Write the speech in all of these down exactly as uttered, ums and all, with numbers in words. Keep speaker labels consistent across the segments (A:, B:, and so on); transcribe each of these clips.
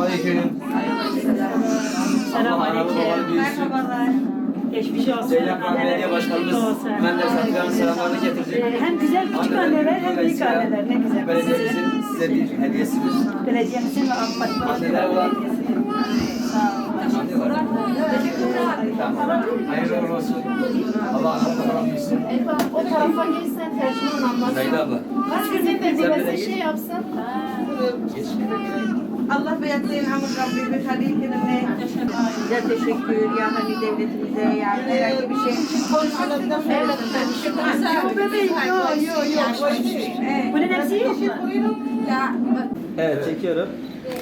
A: Selamünaleyküm.
B: Selamünaleyküm.
C: Merhabalar.
B: Geçmiş olsun.
A: Zeynep Hanım Belediye Başkanımız Menderes Atilla'nın selamlarını getirdi.
B: Hem güzel küçük anneler hem büyük anneler. Ne güzel.
A: Belediyemizin size bir hediyesidir.
B: Belediyemizin ve Akbaş'ın
A: Anneler olan
B: Sağ olun.
A: anneler. Tamam. Hayırlı uğurlu olsun. Allah anlatmadan büyüsün.
D: O tarafa geçsen tercüman anlatsın.
A: Zahide abla.
D: Kaç güzel belediyesi şey yapsın.
A: Geç.
C: Allah beyatlayın hamur Rabbi ve halillerine. Size teşekkür ya hani devletimize yani herhangi bir şey. Konuşmak için
D: Evet.
C: bebeğim yok yok yok.
B: Bunun hepsi yok mu?
D: Ya
A: Evet çekiyorum.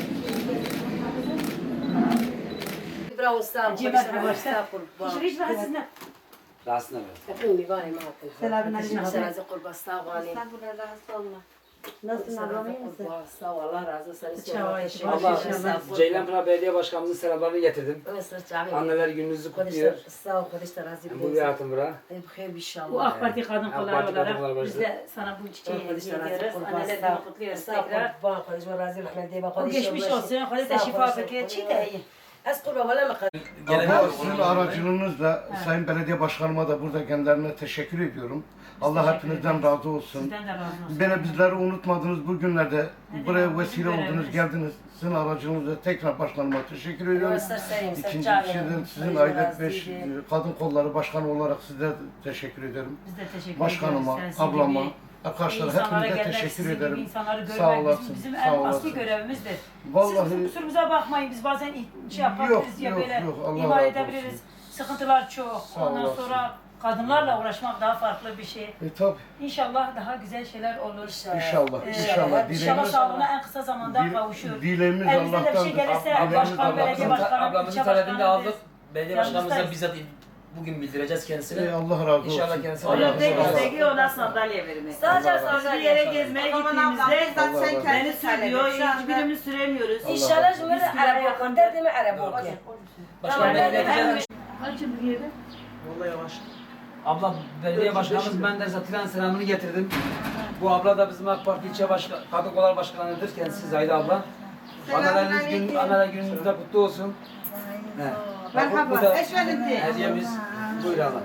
D: bravo sağ ol.
B: Civat bir başta. Şiriş var sizin.
A: Rahatsına ver.
D: Öpün bay ma.
B: Selamünaleyküm.
D: Razı kurban sağ ol.
C: Estağfurullah razı olma.
D: Nasılsın ablam iyi misin? Sağ ol Allah razı olsun.
A: Allah Ceylanpınar Belediye Başkanımızın selamlarını getirdim. Anneler gününüzü kutluyor.
D: Sağ ol kardeşler razı
A: Bu bir hayatım bura.
D: Bخير inşallah.
B: Bu AK Parti kadın
A: AK
B: kolları
A: Parti kadın kolları
B: olarak
A: başkanı.
B: biz de sana bu çiçeği hediye ediyoruz. Anneler günü kutluyoruz tekrar.
D: Kurban kardeşim razı rahmet
B: O geçmiş olsun. Hadi de şifa bekliyor. Çiğ de iyi.
D: Az kurban valla mı?
E: Allah sizin aracılığınızla Sayın Belediye Başkanıma da burada kendilerine teşekkür ediyorum. Allah
B: teşekkür
E: hepinizden
B: ederiz.
E: razı olsun.
B: Sizden de razı olsun.
E: Beni bizleri unutmadınız bu günlerde.
B: Ne
E: Buraya
B: demek,
E: vesile
B: bizim
E: oldunuz,
B: görevimiz.
E: geldiniz. Sizin aracılığınızla tekrar başkanıma teşekkür ediyorum. İkinci sizin, sizin aile beş kadın kolları başkanı olarak size teşekkür ederim.
B: Biz de teşekkür
E: Başkanıma,
B: ediyoruz. Sen sizin
E: ablama,
B: gibi
E: arkadaşlar
B: İnsanlara
E: hepinize
B: gelmek,
E: teşekkür
B: sizin gibi
E: ederim.
B: insanları görmek
E: Sağ
B: bizim,
E: olasın,
B: bizim
E: sağ
B: en asli
E: olasın.
B: görevimizdir.
E: Vallahi-
B: Siz kusurumuza bakmayın, biz bazen şey yapabiliriz
E: Yok,
B: ya
E: yok,
B: böyle
E: yok, Allah
B: ihmal
E: razı
B: edebiliriz.
E: olsun.
B: Sıkıntılar çok.
E: Sağ
B: Ondan
E: olasın.
B: sonra kadınlarla uğraşmak daha farklı bir şey.
E: E tabi
B: İnşallah daha güzel şeyler olur.
E: inşallah,
B: Ee,
E: inşallah.
B: İnşallah
E: Dileğimiz,
B: sağlığına en kısa zamanda
E: dil-
B: kavuşur.
E: dileğimiz
B: Elimizde de bir
E: Allah'tandır.
B: şey gelirse
E: Dileğimiz
B: başkan, belediye
E: Allah'tandır.
B: başkanı,
A: Ablamızın
B: ilçe
A: talebini de
B: başkanı
A: aldık. Belediye başkanımıza
B: Yanınızdayız.
A: bizzat bugün bildireceğiz kendisine.
E: E, Allah razı olsun.
A: İnşallah kendisi
E: Allah
A: Allah
E: razı olsun.
F: İstediği ona sandalye vermek.
D: Sadece
F: Bir
D: sandalye.
F: yere gezmeye
C: Aman ablam
F: gittiğimizde
C: bizzat sen
E: Allah
F: beni
C: kendin
F: sürüyor,
C: Şu anda-
F: hiçbirimiz süremiyoruz.
D: İnşallah cümle araba okun. Derdi mi araba okun?
A: Başkan
D: Tamam,
A: belediye
D: ben-
A: başkanımız. Vallahi yavaş. Abla belediye başkanımız Menderes Atilla'nın selamını getirdim. Bu abla da bizim AK Parti ilçe başkan, kadın kolları başkanıdır. Kendisi Zahide abla. Anneleriniz gün, anneler gününüz de kutlu olsun. He. Bak, bu
C: Merhaba.
A: da
C: Eşvelinti.
A: hediyemiz. Buyur abla.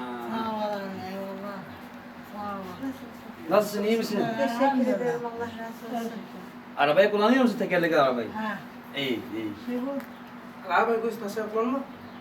A: Nasılsın, iyi misin?
C: Teşekkür ederim Allah razı olsun.
A: Arabayı kullanıyor musun, tekerlekli arabayı? İyi, iyi.
G: العربية جوز نصيب والله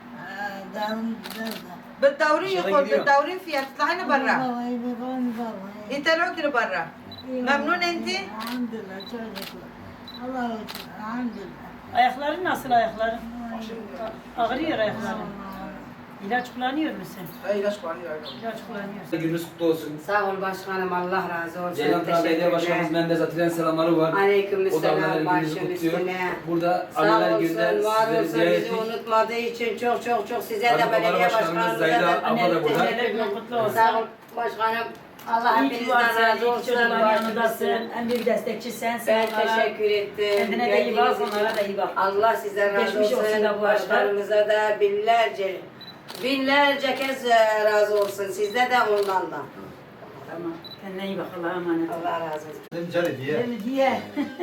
C: بالدوري
A: شغل
C: يقول
A: جديد.
C: بالدوري فيها تطلعين برا يطلعوك لبرا ممنون انت؟
H: الحمد لله çocuklar. Allah için elhamdülillah.
B: Ayakların nasıl ayakların? Ağrıyor ayakların. İlaç kullanıyor musun?
G: هاي لاش عليها
B: İlaç kullanıyorsun.
A: Gününüz kutlu olsun.
D: Sağ ol başkanım Allah razı olsun.
A: Ceylanpınar Belediye Başkanımız Menderes Atilla'nın selamları var.
D: Aleyküm
A: O da anneler
D: selam
A: gününüzü
D: başım
A: kutluyor.
D: üstüne.
A: Burada
D: Sağ
A: anneler gününden
D: olsun, var
A: sizleri
D: olsun
A: ziyaret
D: bizi
A: ettik.
D: unutmadığı için çok çok çok size
A: Kadın
D: de
A: Kolları
D: belediye
A: Başkanımız
D: başkanımıza
A: Zahide
D: da
A: abla da
B: Anneler
A: burada.
B: anneler günü kutlu olsun.
D: Sağ ol başkanım. Allah
B: İyi ki
D: hepinizden
B: varsın,
D: razı
B: iyi ki
D: olsun.
B: çocukların
D: Başım
B: yanındasın.
D: üstüne.
B: En büyük destekçi sensin.
D: Ben
B: onlara.
D: teşekkür ettim.
B: Kendine de iyi bak,
D: Geldiğiniz için.
B: onlara da iyi bak.
D: Allah sizden razı
B: Geçmiş olsun
D: olsun.
B: da bu arada.
D: Başkanımıza da binlerce, binlerce kez e, razı olsun. Sizde de ondan da.
B: Tamam. Kendine iyi bak. Allah'a emanet ol.
D: Allah razı olsun.
E: Cari diye.
B: Değil mi diye.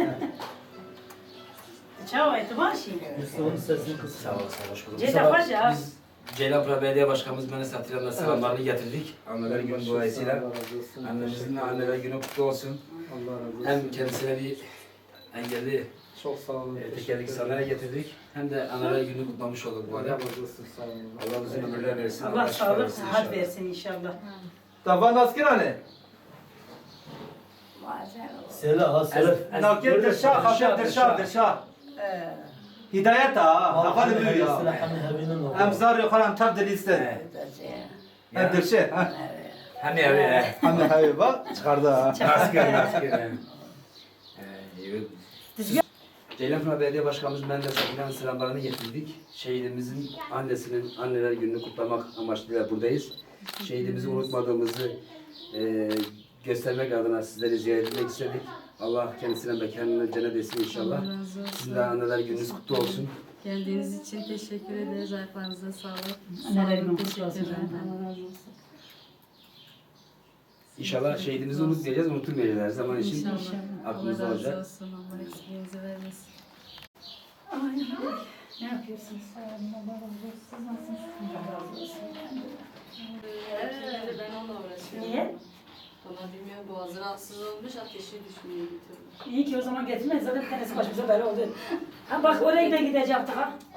B: Ciao, et maşi.
A: Sağ ol, sağ ol, hoş bulduk.
B: Ceyda
A: Sabah
B: Hoca.
A: Biz Ceylanpınar Belediye Başkanımız Menderes Atilla'nın selamlarını getirdik. Anneler günü dolayısıyla. Annemizin de anneler günü kutlu olsun. Hem kendisine bir engelli
G: çok sağ olun.
A: e, tekerlekli sandalye getirdik. Hem de anneler günü kutlamış olduk bu arada.
G: Sağ olun.
A: Allah uzun ömürler versin.
B: Allah
A: şifa
B: sağlık,
A: versin
B: sıhhat
A: inşallah.
B: versin inşallah.
G: طبعا ناسكين عليه ناكل درشا خاطر درشا درشا هدايتها أقل بيا أمزار يقال أم تبدل يستن
A: Ya,
G: درشة
A: Hem evi he.
G: أنا حبيبة çıkardı.
A: Asker, asker. he. He, iyi. Ceylanpınar Belediye Başkanımız Menderes Atilla'nın selamlarını getirdik. Şehidimizin annesinin anneler gününü kutlamak amaçlı buradayız. Şehidimizi unutmadığımızı e, göstermek adına sizleri ziyaret etmek istedik. Allah kendisine mekanını cennet etsin inşallah.
I: Allah razı olsun.
A: Sizin de anneler gününüz kutlu olsun.
I: Geldiğiniz için teşekkür ederiz. Ayaklarınıza sağlık.
B: Anneler
I: Sağ olun,
B: günü
I: teşekkür
B: kutlu olsun.
I: ederim. Allah razı olsun.
A: İnşallah şehidimizi unutmayacağız, unutulmayacağız her zaman için
I: İnşallah.
A: aklımızda
I: Allah razı
A: olacak.
I: olsun. Allah eksikliğinizi vermesin.
H: Ne yapıyorsunuz? Sağ olun. Allah razı olsun. Siz nasılsınız? Allah razı olsun.
I: Öyle ben onunla uğraşıyorum.
B: Niye?
I: Bana bilmiyorum boğazı rahatsız olmuş ateşi düşmeye gidiyorum.
B: İyi ki o zaman getirmeyiz. Zaten bir tanesi başımıza böyle oldu. Ha bak oraya da gidecektik ha.